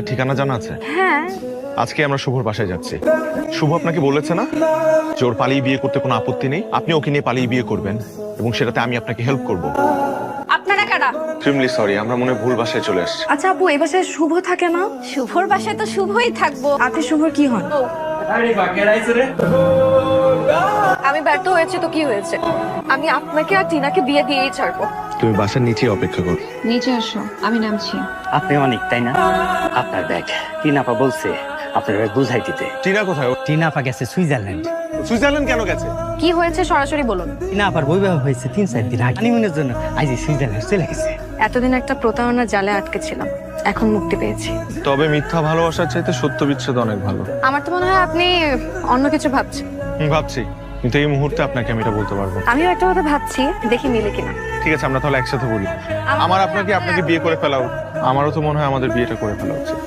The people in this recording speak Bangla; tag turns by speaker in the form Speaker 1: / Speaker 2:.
Speaker 1: ঠিকানা জানা আছে?
Speaker 2: হ্যাঁ।
Speaker 1: আজকে আমরা শুভর বাসায় যাচ্ছি। শুভ আপনাকে বলেছে না যে ওর পালিয়ে বিয়ে করতে কোনো আপত্তি নেই, আপনি ওকে নিয়ে পালিয়ে বিয়ে করবেন এবং সেটাতে আমি আপনাকে হেল্প করব।
Speaker 2: আপনারা কারা?
Speaker 1: এক্সট্রিমলি সরি, আমরা মনে হয় ভুল বাসায় চলে আসছি।
Speaker 2: আচ্ছা আপু, এই বাসায় শুভ থাকে না? শুভর বাসায় তো শুভই থাকবো। আপনি শুভর কি হন? আমি ব্যর্থ হয়েছি তো কি হয়েছে? আমি আপনাকে আর টিনাকে বিয়ে দিয়েই ছাড়বো।
Speaker 1: তুমি বাসার নিচে অপেক্ষা করো।
Speaker 3: নিচে আসো, আমি নামছি।
Speaker 4: আপনি অনেক, তাই না? আপনার ব্যাগ টিনাপা বলছে আপনার ব্যাগ বুঝাই দিতে।
Speaker 1: টিনা কোথায়?
Speaker 4: টিনাপা গেছে সুইজারল্যান্ড।
Speaker 1: সুইজারল্যান্ড কেন গেছে?
Speaker 2: কি হয়েছে সরাসরি বলুন।
Speaker 4: টিনাপার বৈবাহ হয়েছে 3-4 দিন আগে। হানিমুনের জন্য আজ সুইজারল্যান্ড চলে গেছে।
Speaker 2: এতদিন একটা প্রতারণার জালে আটকে ছিলাম, এখন মুক্তি পেয়েছি।
Speaker 1: তবে মিথ্যা ভালোবাসার চাইতে সত্য বিচ্ছেদ অনেক ভালো।
Speaker 2: আমার তো মনে হয় আপনি অন্য কিছু ভাবছেন।
Speaker 1: ভাবছি, কিন্তু এই মুহূর্তে আপনাকে আমি এটা বলতে পারবো না।
Speaker 2: আমিও একটা কথা ভাবছি, দেখি মিলে কিনা।
Speaker 1: ঠিক আছে, আমরা তাহলে একসাথে বলি। আমার আপনাকে বিয়ে করে ফেলা উচিত। আমারও তো মনে হয় আমাদের বিয়েটা করে ফেলা উচিত।